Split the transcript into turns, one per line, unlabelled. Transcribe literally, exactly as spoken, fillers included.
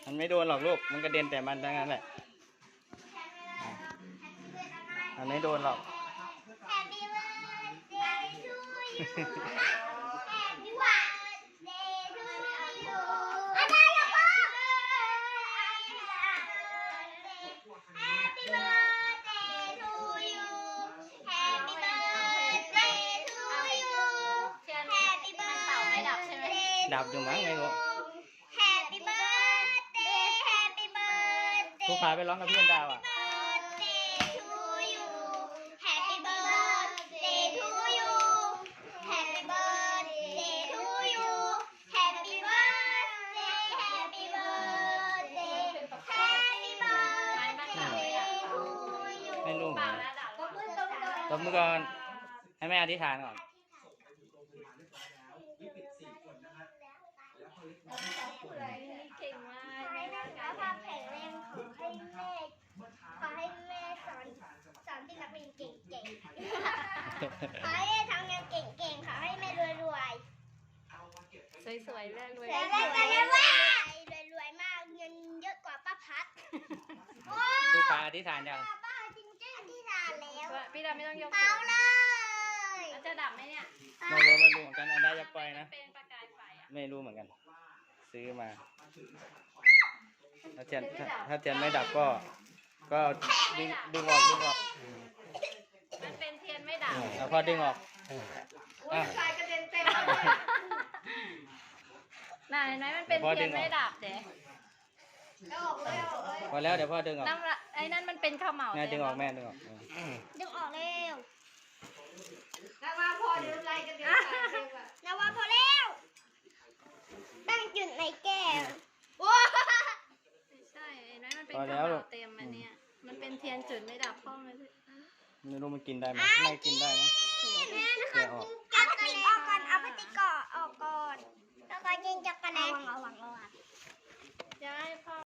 มันไม่โดนหรอกลูกมันกระเด็นแต่มันทั้งนั้นแหละมันไม่โดนหรอกดับอยู่มั้งไม่รู้ผู้พาไปร้องกับพี่อันดาวอ่ะไม่รู้ตบมือก่อนให้แม่อธิษฐานก่อน
เก่งมากแม่สุขภาพแข็งแรงขอให้แม่ขอให้แม่สอนสอนที่นักเรียนเก่งๆขอให้แม่ทำงานเก่งๆขอให้แม่รวยรวย
สวยๆแม่รวย
รวยรวยรวยรวยมากเงินเยอะกว่าป้าพัด
ผู้พาอธิษฐานยัง
ป้าจริงๆอธิษฐานแล้ว
พี่ดาไม่ต้องยก
เปล่าเลย
มันจะดับไหมเนี่ย
ไม่รู้ไม่รู้เหมือนกันอันดาจะปล่อยนะ
เป็นประกายไฟอ่ะ
ไม่รู้เหมือนกันซื้อมาถ้าเทียนถ้าเทียนไม่ดับก็ก็ดึงดึงออกดึงออก
มันเป็นเทียนไม่ดับ
แล้วพอดึงออกอ่ะ
น่ะเห็นไหมมันเป็นเทียนไม่ดับเจ๊
พอแล้วเดี๋ยวพ่อดึงออก
น้ำไอ้นั่นมันเป็นข้าวเหมา
แม่ดึงออกแม่ดึงออก
ดึงออกเร็ว
นาวาพอเดี๋ยวอะไรกันเดี๋ยวใส่เองอะ
นาวาพอแล้วตั้งจุดในแก้ว
ใช่เห็นไหมมันเป็นข้าวเหมาเต็มอันเนี้ยมันเป็นเทียนจุดไม่ดับพ่อมัน
ไม่รู้มันกินได้ไหมไม่กินได้มั้ง
แม่นะคะ
แกะออก
กิน